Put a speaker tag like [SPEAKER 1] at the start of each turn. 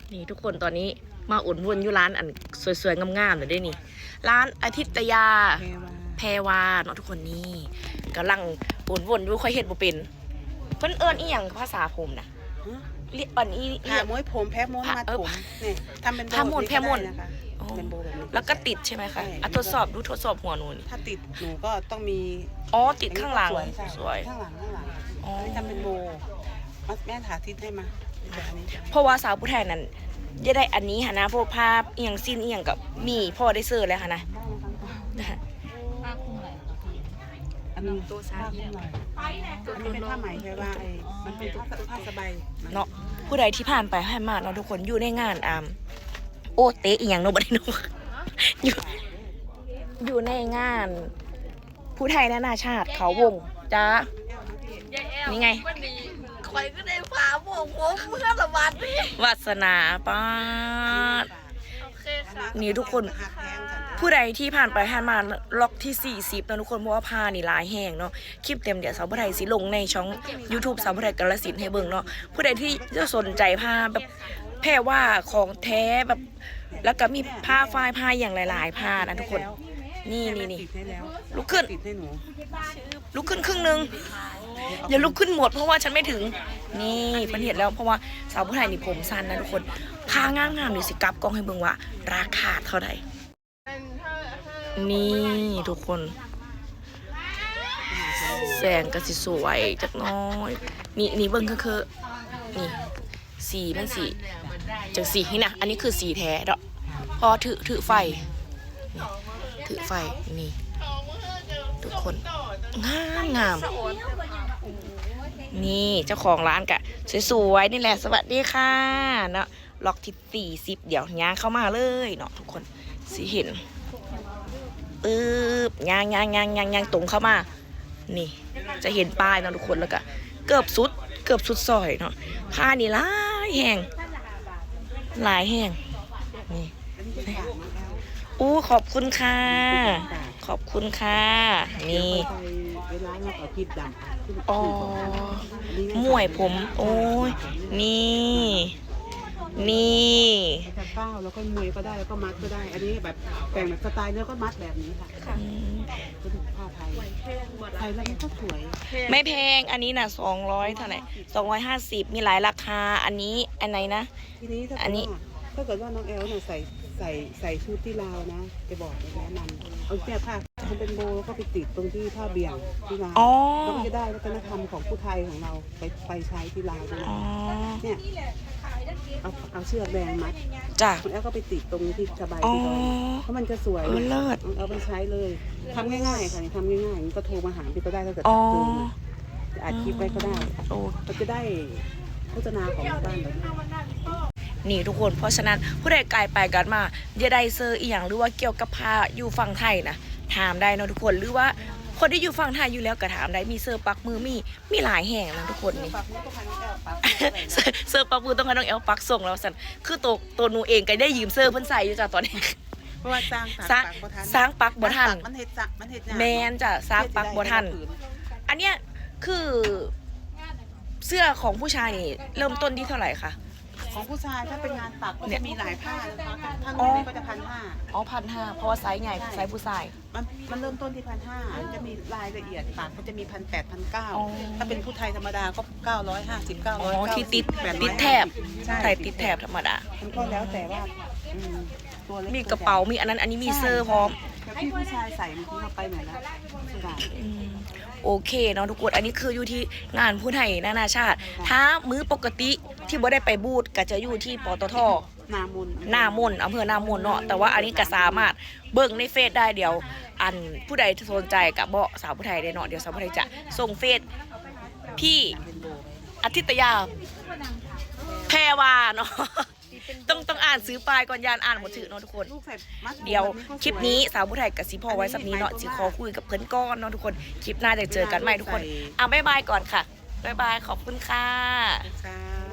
[SPEAKER 1] นี่ทุกคนตอนนี้มาอุ่นวนอยู่ร้านอันสวยๆงามๆเลยด้วยนี่ร้านอาทิตยาแพรวาเนาะทุกคนนี่กำลังอุ่นวนอยู่ค่อยเห็ดบ่เป็นเพิ่นเอิ้นอีหยังภาษาผมนะเรียกอันนี้
[SPEAKER 2] ผ่าม้วยผมแพ้ม้วนมัดผมนี่ทำเป็นโบนะคะเป็นโบแบบนี้
[SPEAKER 1] แล้วก็ติดใช่ไหมคะทดสอบดูทดสอบหัวหนูนี่
[SPEAKER 2] ถ้าติดหนูก็ต้องมี
[SPEAKER 1] ติดข้างหลังสวย
[SPEAKER 2] ข้างหลังนี่ทำเป็นโบแม่ถาทิศให้มา
[SPEAKER 1] เพราะว่าสาวผู้ไทยนั้นจะได้อันนี้ค่ะนะพวกภาพเอียงสิ้นเอียงกับมีพ่อได้เสิร์ฟแล้วค่ะนะ
[SPEAKER 2] อันนี้ตัวซาอันนี้เป็นผ้าไหมใช่ป่ะมันเป็นผ้าสบาย
[SPEAKER 1] เนาะผู้ใดที่ผ่านไปผ่านมาเนาะทุกคนอยู่ในงานโอเตะอีหยังโนบัดโนอยู่ในงานผู้ไทยนานาชาติเขาวงจ้านี่ไง
[SPEAKER 3] คอยก็ได้พาพวกผมเพื่อสวัสดี
[SPEAKER 1] วาสนาป้านี่ทุกคนผู้ใดที่ผ่านไปผ่านมาล็อกที่40นะทุกคนเพราะว่าพานี่หลายแห่งเนาะคลิปเต็มเดี๋ยวสาวผู้ไทยสิลงในช่อง YouTube สาวผู้ไทยกาฬสินธุ์ให้เบิ่งเนาะผู้ใดที่จะสนใจพาแบบแพร่ว่าของแท้แบบแล้วก็มีผ้าฝ้ายผ้าอย่างหลายๆผ้านะทุกคนนี่ลุกขึ้นลุกขึ้นครึ่งนึงอย่าลุกขึ้นหมดเพราะว่าฉันไม่ถึงนี่มันเห็นแล้วเพราะว่าสาวผู้ไทยนี่ผมสั้นนะทุกคนผ้างามๆนี่สิกลับกล้องให้เบิ่งว่าราคาเท่าไหร่นี่ทุกคนแสงก็สิสวยจักน้อยนี่เบิ่งคือนี่สีมันสีจากสีนี่นะอันนี้คือสีแท้เนาะพอถือไฟถือไฟนี่ทุกคนงามนี่เจ้าของร้านกะสวยๆนี่แหละสวัสดีค่ะเนาะล็อกที่40เดี๋ยวย่างเข้ามาเลยเนาะทุกคนสิเห็นย่างตรงเข้ามานี่จะเห็นป้ายเนาะทุกคนแล้วก็เกือบสุดซอยเนาะผ้านี่หลายแห้งนี่ขอบคุณค่ะขอบคุณค่ะนี่มวยผมโอ้ยนี่
[SPEAKER 2] เป้าแล้วก็มวยก็ได้แล้วก็มัดก็ได้อันนี้แบบแต่งแบบสไตล์แล้วก็มัดแบบนี้ค่ะก็ถูกผ้าไทยแล้วมันก็สวย
[SPEAKER 1] ไม่แพงอันนี้น่ะ200เท่าไหร่250มีหลายราคาอันนี้อันไหนนะ
[SPEAKER 2] อันนี้ถ้าเกิดว่าน้องแอลเนี่ยใส่ชุดที่ลาวนะจะบอกแนะนำเอาแค่ผ้ามันเป็นโบแล้วก็ไปติดตรงที่ผ้าเบี่ยงที่ลาวแล้วก็จะได้วัฒนธรรมของผู้ไทยของเราไปใช้ที่ลาวด้วยเนี่ยเอาเชือกแดงมัด
[SPEAKER 1] จ้ะ
[SPEAKER 2] แล้วก็ไปติดตรงที่สบายที่ท้องเพราะมันจะสวย
[SPEAKER 1] เลิศ
[SPEAKER 2] เอาไปใช้เลยทำง่ายๆค่ะทำง่ายๆก็โทรมาหาพี่ก็ได้ถ้าเกิดตื่นจะอัดคลิปไว้ก็ได้เราจะได้โฆษณาของบ้านเรา
[SPEAKER 1] นี่ทุกคนเพราะฉะนั้นผู้ใดไกลไปกันมาอย่าได้เซอร์อีหยังหรือว่าเกี่ยวกับผ้าอยู่ฝั่งไทยนะถามได้นะทุกคนหรือว่าคนที่อยู่ฝั่งไทยอยู่แล้วก็ถามได้มีเซอร์ปักมือมีหลายแห่งนะทุกคนนี่เซอร์ปักมือต้องให้น้องแอลปักส่งแล้วสันคือตัวหนูเองก็ได้ยืมเซอร์เพิ่นใส่อยู่จ้ะตอนนี้
[SPEAKER 2] เพราะว่าสร้
[SPEAKER 1] างปักบ่ทัน
[SPEAKER 2] มันเฮ็ด
[SPEAKER 1] แมนจ้ะสร้างปักบ่ทันอันเนี้ยคือเสื้อของผู้ชายนี่เริ่มต้นที่เท่าไหร่คะ
[SPEAKER 2] ของผู้ชายถ้าเป็นงานปักก็จะมีหลายผ้านะคะถ้านี้ก็จะ1,500
[SPEAKER 1] 1,500เพราะว่าไซส์ใหญ่ไซส์ผู้ชาย
[SPEAKER 2] มันเริ่มต้นที่1,500จะมีรายละเอียดปักก็จะมี1,800 1,900ถ้าเป็นผู้ไทยธรรมดาก็950 990
[SPEAKER 1] ที่ติดแถบใส่ติดแถบธรรมดา
[SPEAKER 2] มันก็แล้วแต่ว่า
[SPEAKER 1] ตัวเล็กมีกระเป๋ามีอันนี้มีเสื้อพร้อม
[SPEAKER 2] ที่ผู้ชายใส่เมื่อกี้เราไปไหนแล้ว
[SPEAKER 1] โอเคเนาะทุกคนอันนี้คืออยู่ที่งานผู้ไทยนานาชาติถ้ามื้อปกติที่บ่ได้ไปบูธก็จะอยู่ที่ปตท.
[SPEAKER 2] นามน
[SPEAKER 1] อำเภอนามนเนาะแต่ว่าอันนี้ก็สามารถเบิ่งในเฟซได้เดี๋ยวอันผู้ใดสนใจกับเบาะสาวผู้ไทยได้เนาะเดี๋ยวสาวผู้ไทยจะส่งเฟซพี่อาทิตยาแพรวาเนาะต้องอ่านซื้อปลายก่อนยานอ่านหมดถือเนาะทุกคนเดี๋ยวคลิปนี้สาวผู้ไทยกับสีพ่อไว้สักนี้เนาะสีขอคุยกับเพื่อนก้อนเนาะทุกคนคลิปหน้าจะเจอกันใหม่ทุกคนบ๊ายบายก่อนค่ะบ๊ายบายขอบคุณค่ะ